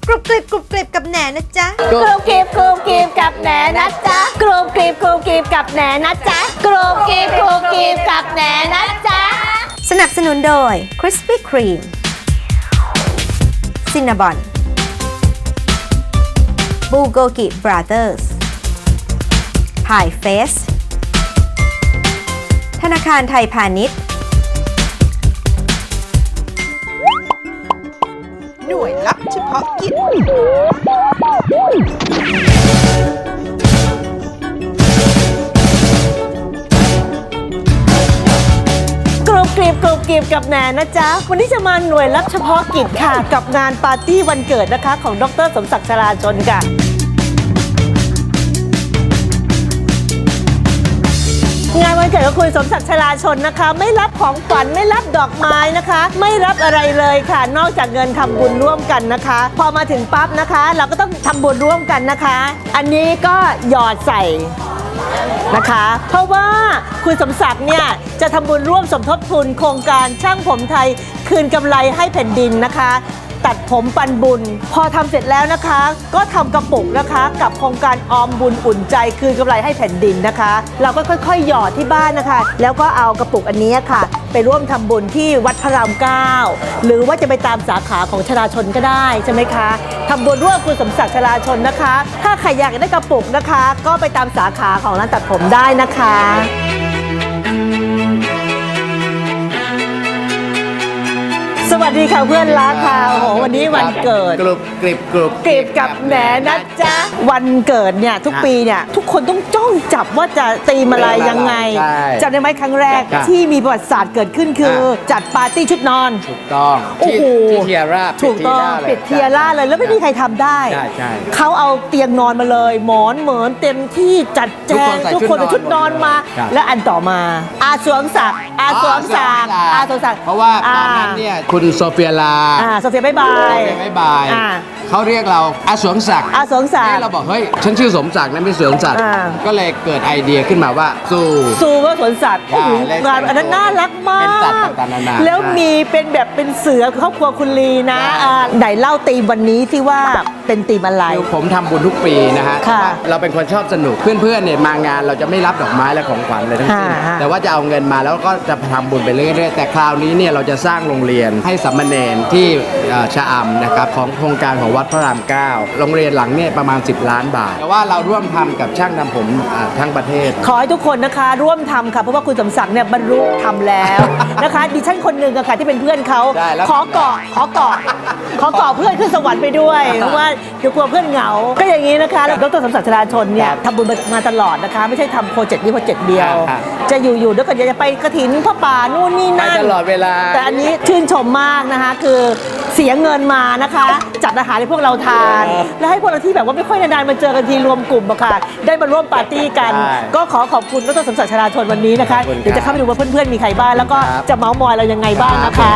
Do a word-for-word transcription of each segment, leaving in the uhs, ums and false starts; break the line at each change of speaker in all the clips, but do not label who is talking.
กรุบกริบกรุบกริบกับแหนนะจ๊ะ
กรุบกริบกรุบกริบกับแหนนะจ๊ะกรุบกริบกรุบกริบกับแหนนะจ๊ะกรุบกริบกรุบกริบกับแหนนะจ๊ะ
สนับสนุนโดย Krispy Kreme Cinnabon Bulgogi Brothers Pie Face ธนาคารไทยพาณิชย์หน่วยลับเฉพาะกิจ
กรุบกริบกรุบกริบกับแหนนะจ๊ะวันนี้จะมาหน่วยรับเฉพาะกิจค่ะกับงานปาร์ตี้วันเกิดนะคะของดร.สมศักดิ์ชลาชนค่ะงานวันเกิดของคุณสมศักดิ์ชลาชนนะคะไม่รับของขวัญไม่รับดอกไม้นะคะ ไม่รับอะไรเลยค่ะนอกจากเงินทำบุญร่วมกันนะคะ พอมาถึงปั๊บนะคะ เราก็ต้องทำบุญร่วมกันนะคะ อันนี้ก็หยอดใส่นะคะเพราะว่าคุณสมศักดิ์เนี่ยจะทำบุญร่วมสมทบทุนโครงการช่างผมไทยคืนกำไรให้แผ่นดินนะคะตัดผมปันบุญพอทำเสร็จแล้วนะคะก็ทำกระปุกนะคะกับโครงการออมบุญอุ่นใจคืนกำไรให้แผ่นดินนะคะ เราก็ค่อยๆหยอดที่บ้านนะคะแล้วก็เอากระปุกอันนี้ค่ะไปร่วมทำบุญที่วัดพระรามเก้าหรือว่าจะไปตามสาขาของชลาชนก็ได้ใช่ไหมคะทำบุญร่วมคุณสมศักดิ์ชลาชนนะคะ ถ้าใครอยากได้กระปุกนะคะ ก็ไปตามสาขาของร้านตัดผมได้นะคะสวัสดีค่ะเพื่อนรักค่ะโอ้โหวันนี้วันเกิด
กรุบกริบกรุบ
กรีบกับแหนนะจ๊ะวันเกิดเนี่ยทุกปีเนี่ยทุกคนต้องจ้องจับว่าจะตีมอะไรยังไงจำได้ไหมครั้งแรกที่มีประวัติศาสตร์เกิดขึ้นคือจัดปาร์ตี้ชุดนอน
ถูกต้อง
โอ้โห
ที่เทียร่า
ถูกต้องปิดเทียร่าเลยแล้วไม่มีใครทำได้
ใช่ใช่
เขาเอาเตียงนอนมาเลยหมอนเหมือนเต็มที่จัดแจงทุกคนใส่ชุดนอนมา และอันต่อมาอาสวงศักดิ์อาสวงศักดิ์อาสวงศักดิ์
เพราะว่าตอนนั้นเนี่ยคุณโซเฟียลา
อ่าโซเฟียบ๊ายบาย
บ๊ายบาย
อ่า
เขาเรียกเราอาสวงศักดิ์
อาสวงศักดิ์
เราบอกเฮ้ยฉันชื่อสมศักดิ์นะไม่สวงศักดิ์
อ่า
ก็เลยเกิดไอเดียขึ้นมาว่าสู้
ซูว่าสวนสัตว์โอ้โห
ใช่
งานอันนั้นน่ารักมาก
เป็นสัตว์ต่างๆนานา
แล้วมีเป็นแบบเป็นเสือครอบครัวคุณลีนะ
ใช่
อ่าไหนเล่าตีมวันนี้ที่ว่าเป็นตีมอะไร
คือผมทำบุญทุกปีนะฮะ
ค่ะ
เราเป็นคนชอบสนุกเพื่อนๆเนี่ยมางานเราจะไม่รับดอกไม้และของขวัญเลยทั้งสิ้น
ค่ะ
แต่ว่าจะเอาเงินมาแล้วก็จะทำบุญไปเรื่อยๆแต่คราวนี้เนี่ยเราจะสร้างโรงเรียนให้สามเณรที่เอ่อชะอำนะครับของโครงการของวัดพระรามเก้าโรงเรียนหลังเนี่ยประมาณสิบล้านบาทแต่ว่าเราร่วมทำกับช่างทำผมอ่าทั้งประเทศ
ขอให้ทุกคนนะคะร่วมทำค่ะเพราะว่าคุณสมศักดิ์เนี่ยบรรลุทำแล้ว นะคะดิฉันคนหนึ่งอะค่ะที่เป็นเพื่อนเขา
ใช่แล้ว
ขอเกาะขอเกาะขอเกาะเพื่อนขึ้นสวรรค์ไปด้วยเพราะว่าเดี๋ยวกลัวเพื่อนเหงา ก็อย่างนี้นะคะแล้วดรสมศักดิ์ชลาชนเนี่ยทำบุญมาตลอดนะคะ ไม่ใช่ทำโปรเจกต์นี้โปรเจกต์เดียว
ครับ
จะอยู่ๆแล้วก็จะไปกระถินพระป่านู่นนี่
ไป
นั่น
ตลอดเวลา
แต่อันนี้ชื่นชมมากนะคะ คือเสียเงินมานะคะ จัดอาหารให้พวกเราทาน และให้พวกเราที่แบบว่าไม่ค่อยนานๆมาเจอกันทีรวมกลุ่มอะค่ะได้มาร่วมปาร์ตี้กัน
ใช่
ก็ขอขอบคุณดรสมศักดิ์ชลาชนวันนี้นะคะ
ขอบคุณครับ
เดี๋ยวจะเข้าไปดูว่าเพื่อนๆมีใครบ้างแล้วก็
ครับ
จะเมาส์มอยเรายังไงบ้างนะ
ครั
คะ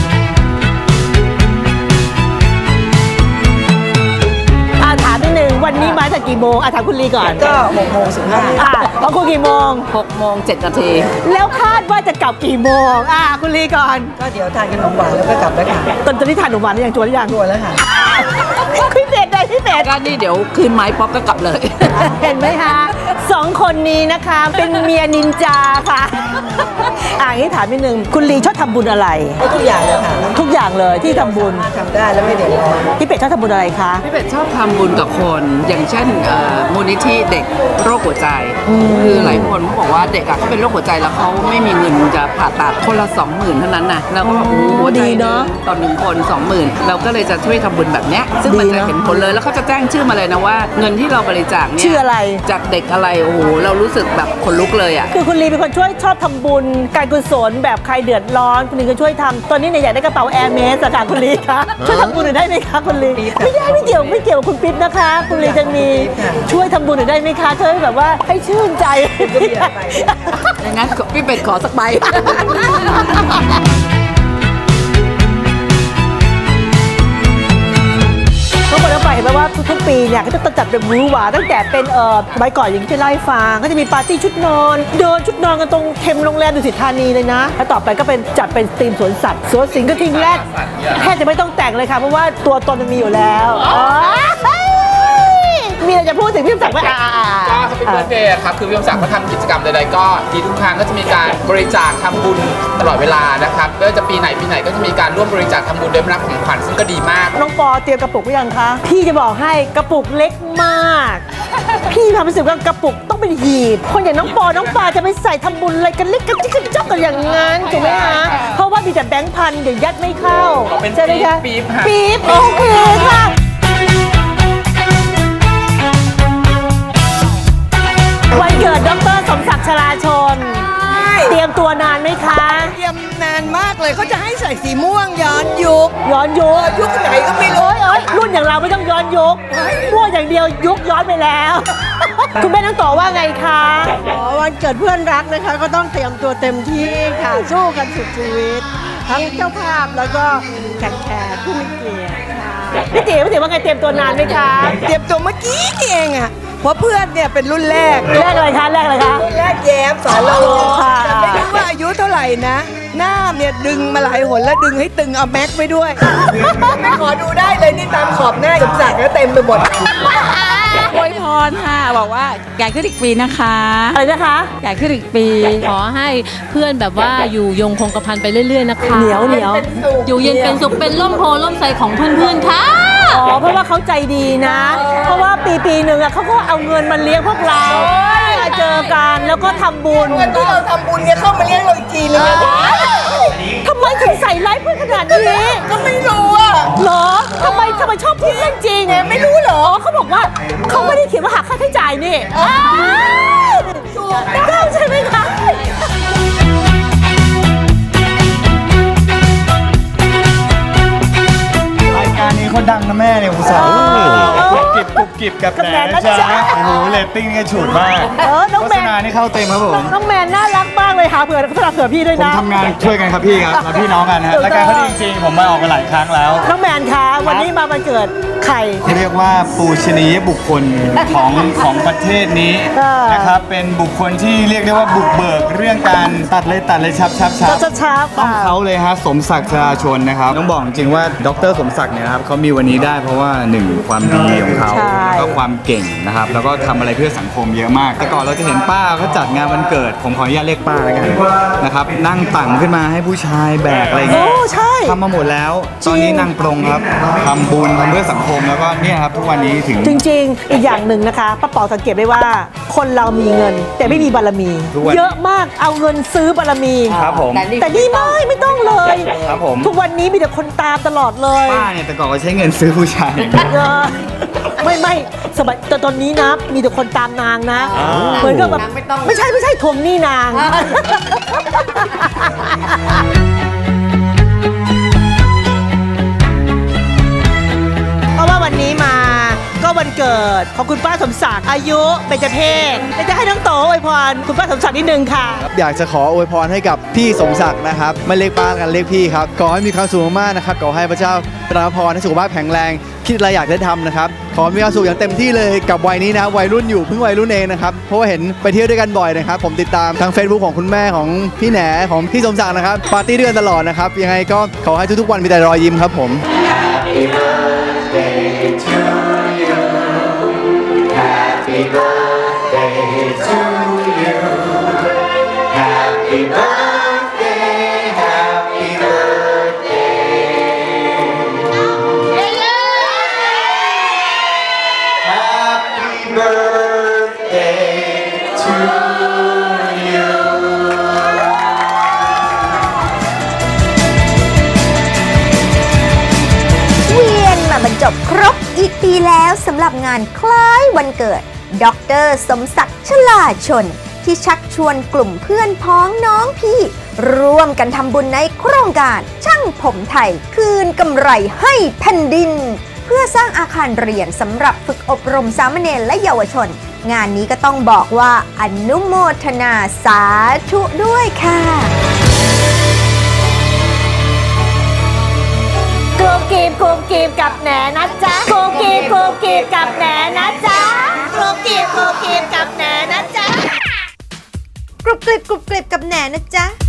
บ
อาถามนิดนึงวันนี้มาจากกี่โมงอาถามคุณลีก่อน
ก็หกโมงสิบห้า
อ่ะของคุณกี่โมง
หกโมงเจ็ดนาที
แล้วคาดว่าจะกลับกี่โมงอ่ะคุณลีก่อน
ก็เดี๋ยวทานขนมหวานแล้วก็กลับแล้วค่ะ
ตอนตอนนี้ทานหนูหวานหรือยังจวนหรือยัง
ตัวแล้วค่ะ
พิเศษใดพิเศษ
ก็นี่เดี๋ยวคืนไม้ป๊อปก็กลับเลย
เห็นไหมคะสองคนนี้นะคะเป็นเมียนินจาค่ะ อ่างี้ถามนิดนึงคุณลีชอบทำบุญอะไร
ทุกอย่างเลยค่ะ
ทุกอย่างเลยที่ทำบุญ
ทำได้แล้วไม่เดือดร้อน
พี่เป็ดชอบทำบุญอะไรคะ
พี่เป็ดชอบทำบุญกับคน อย่างเช่นเอ่อมูลนิธิเด็กโรคหัวใจ คือหลายคนเขาบอกว่าเด็กอะเขาเป็นโรคหัวใจแล้วเขาไม่มีเงินจะผ่าตัดคนละสองหมื่นเท่านั้นนะแล้วก็แบบโอ้โหหัวใจ
ดีเนอะ
ต่อหนึ่งคนสองหมื่นเราก็เลยจะช่วยทำบุญแบบเนี้ยซึ่งมัน
ดี
จะ
เนอะ
เห็นผลเลยแล้วเขาจะแจ้งชื่อมาเลยนะว่าเงินที่เราบริจาคเนี่ย
ชื่ออะไร
จากเด็กอะไรโอ้โหเรารู้สึกแบบขนลุกเลยอะ
คือคุณลีเป็นคนช่วยชอบทำบุญการกุศลแบบใครเดือดร้อนคุณลีก็ช่วยทำตอนนี้เนี่ยอยากได้กระเป๋าแอร์เมสจากคุณลีคะช่วยทำบุญหน่อยได้ไหมคะคุณลีไม่ได้ไม่เกี่ยวไม่เกี่ยวกับคุณปิ๊บนะคะ คุณลีจะมีช่วยทำบุญหน่อยได้ไหมคะช่วยแบบว่าให้ชื่นใจ
อย่างนั้นพี่เป็ดขอสักใบ
ทุกคนต้องไปเห็นไหมว่าว่าทุกๆปีเนี่ยก็จะจัดเป็นมื้อหวานตั้งแต่เป็นเอ่อใบก่อนอย่างที่เคยเล่าให้ฟังก็จะมีปาร์ตี้ชุดนอนเดินชุดนอนกันตรงเทมโรงแรมดุสิตธานีเลยนะแล้วต่อไปก็เป็นจัดเป็นธีมสวนสัตว์สวนสิงห์กระทิงแรดแทบจะไม่ต้องแต่งเลยค่ะเพราะว่าตัวตนมันมีอยู่แล้วมีอะไรจะพูดถึงพี่ศักดิ์ไหมอ่า
ก็แฮปปี้เบิร์ธเดย์ครับคือพี่ยมศักดิ์เขาทำกิจกรรมใดๆก็ดีทุกครั้งก็จะมีการบริจาคทำบุญตลอดเวลานะครับไม่ว่าจะปีไหนปีไหนก็จะมีการร่วมบริจาคทำบุญโดยไม่รับของขวัญซึ่งก็ดีมาก
น้องปอเตรียมกระปุกไว้ยังคะพี่จะบอกให้กระปุกเล็กมาก พี่ทำรู้สึกว่ากระปุกต้องเป็นหีบคนอย่างน้องปอน้องปาจะไปใส่ทำบุญอะไรกันเล็กกันจิ๊กกันจ๊อกกันอย่างงั้นถูกไหมคะเพราะว่ามีแต่แบงค์พันเดี๋ยวยัดไม่เข้า
เป็น
ใช่ไหมคะ
ปี๊บค่ะ
ปี๊บโอเคค่ะวันเกิดดรสมศักดิ์ชลาชนเตรียมตัวนานไหมคะ
เตรียมนานมากเลยเขาจะให้ใส่สีม่วงย้อนยุค
ย้อนยุค
ยุคไหนก็ไม่รู้
เอ้ยรุ่นอย่างเราไม่ต้องย้อนยุคมั่วอย่างเดียวยุคย้อนไปแล้ว คุณแม่น้องต่อว่าไงคะ
อ๋อวันเกิดเพื่อนรักนะคะก็ต้องเตรียมตัวเต็มที่ค่ะสู้กันสุดชีวิต ทั้งเจ้าภาพแล้วก็แขกแขกผู้มีเกียรติค่ะ
พี่ติ๋วพี่ติ๋วว่าไงเตรียมตัวนานไหมคะ
เตรียมตัวเมื่อกี้นี่เองอ่ะเพราะเพื่อนเนี่ยเป็นรุ่นแรก
แรกอะไรคะแรกอะไรคะ
รุ่นแรกแย้มสอนเรา
ค่ะ
แต่ไม่รู้ว่าอายุเท่าไหร่นะ หน้าเนี่ยดึงมาหลายหนแล้วดึงให้ตึงเอาแม็กไปด้วย ขอดูได้เลยนี่ตามขอบหน้าสมศักดิ์แล้วเต็มไปหมด
อวยพรค่ะบอกว่าใหญ่ขึ้นอีกปีนะคะ
อะไรนะคะ
ใหญ่ขึ้นอีกปี ขอให้เพื่อนแบบว่าอยู่ยงคงกระพันไปเรื่อยๆนะคะ
เหนียวเหนียว
อยู่เย็นเป็นสุขเป็นร่มโพล่มใสของเพื่อนๆค่ะ
อ๋อเพราะว่าเขาใจดีนะ เพราะว่าปีปีหนึ่งอะเขาก็เอาเงินมาเลี้ยงพวกเรามาเจอกันแล้วก็ทำบุญ
เงินที่เราทำบุญเนี่ยเข้ามาเลี้ยงเราอีกทีนึงนะ
ทำไมถึงใส่ร้ายเพื่อนขนาดนี้
ก็ไม่รู้อ่ะ
เหรอทำไมทำไมชอบพูดเรื่องจริงไม่รู้เหรออ๋อเขาบอกว่าเขาไม่ได้เขียนว่าหักค่าใช้จ่ายนี่ถูกต้องใช่ไหมคะ
รายการนี้คนดังนะแม่เนี่ยอุตส่าห์กุบกิบกุบกิบกับแหนนะจ๊ะโอ้โหเรตติ้งนี่ฉูดมาก
เออน้อง
โฆ
แม
ษ
น
ณานี่เข้าเต็มครับผม
น้องแมนน่ารักมากเลยหาเผื่อสำหรับเผื่อพี่ด้วย
ผม
นะ
ทำงานช่วยกันครับพี่ครับเราพี่น้องกันฮะรายการเขาดีจริงๆผมมาออกมาหลายครั้งแล้ว
น้องแมนคะวันนี้มาวันเกิดใคร
เรียกว่าปูชนียบุคคลของของประเทศนี้
เออ
นะครับเป็นบุคคลที่เรียกได้ว่าบุกเบิกเรื่องการตัดเลยตัดเลยชับชับชับ
ชับชับ
ต้องเขาเลยฮะสมศักดิ์ชลาชนนะครับต้องบอกจริงๆว่าดรสมศักดิ์เนี่ยนะครับเขามีวันนี้ได้เพราะว่าหนึ่งความดีของเขา
ใช่
แล้วก็ความเก่งนะครับแล้วก็ทำอะไรเพื่อสังคมเยอะมาก แต่ก่อนเราจะเห็นป้าเขาจัดงานวันเกิด ผมขออนุญาตเรียกป้าแล้วกันนะครับนั่งตั่งขึ้นมาให้ผู้ชายแบกอะไรอย่างเงี้ย
โอ้ใช่
ทำมาหมดแล้ว ตอนนี้นั่งปรงครับทำบุญทำเพื่อสังคมแล้วก็เนี่ยครับทุกวันนี้ถึง
จริงๆ อีกอย่างหนึ่งนะคะป้าป๋อสังเกตได้ว่า คนเรามีเงิน แต่ไม่มีบารมี
ทุกวัน
เยอะมากเอาเงินซื้อบารมี
ครับผม
แต่นี่ไม่ไม่ต้องเลย
ครับผม
ทุกวันนี้มีแต่คนตามตลอดเลย
ป้าเนี่ยแต่ก่อนก็ใช้เงินซื้อผู้ชาย
เออไม่ไม่สมัยแต่ตอนนี้นะ มีแต่คนตามนางนะ
อ้าว
เหมือนกับแบบไม่ใช่ไม่ใช่ทวงหนี้นาง เพราะว่าวันนี้มาก็วันเกิดของคุณป้าสมศักดิ์อายุเบญจเพศแต่จะให้น้องโตอวยพรคุณป้าสมศักดิ์นิดนึงค่ะ
อยากจะขออวยพรให้กับพี่สมศักดิ์นะครับไม่เรียกป้ากันเรียกพี่ครับขอให้มีความสุขมากๆนะครับขอให้พระเจ้าประทานพรให้สุขภาพแข็งแรง คิดอะไรอยากได้ทำนะครับขอมีความสุขอย่างเต็มที่เลยกับวัยนี้นะวัยรุ่นอยู่เพิ่งวัยรุ่นเองนะครับเพราะว่าเห็นไปเที่ยวด้วยกันบ่อยนะครับผมติดตามทาง Facebook ของคุณแม่ของพี่แหนของพี่สมศักดิ์นะครับปาร์ตี้ด้วยกันตลอดนะครับยังไงก็ขอให้ทุกๆวันมีแต่รอยยิ้มครับผม
เวียนมาบรรจบครบอีกปีแล้วสำหรับงานคล้ายวันเกิดดรสมศักดิ์ชลาชน ที่ชักชวนกลุ่มเพื่อนพ้องน้องพี่ ร่วมกันทำบุญในโครงการช่างผมไทยคืนกำไรให้แผ่นดิน เพื่อสร้างอาคารเรียนสำหรับฝึกอบรมสามเณรและเยาวชน งานนี้ก็ต้องบอกว่าอนุโมทนาสาธุด้วยค่ะ
กรูกีบกรูกีบกับแหนนะจ๊ะกรูกีบกรูกีบบกับแหนนะจ๊ะกรุบกริบกรุบกริบกับแหนนะจ๊ะ
กรุบกริบกรุบกริบกับแหนนะจ๊ะ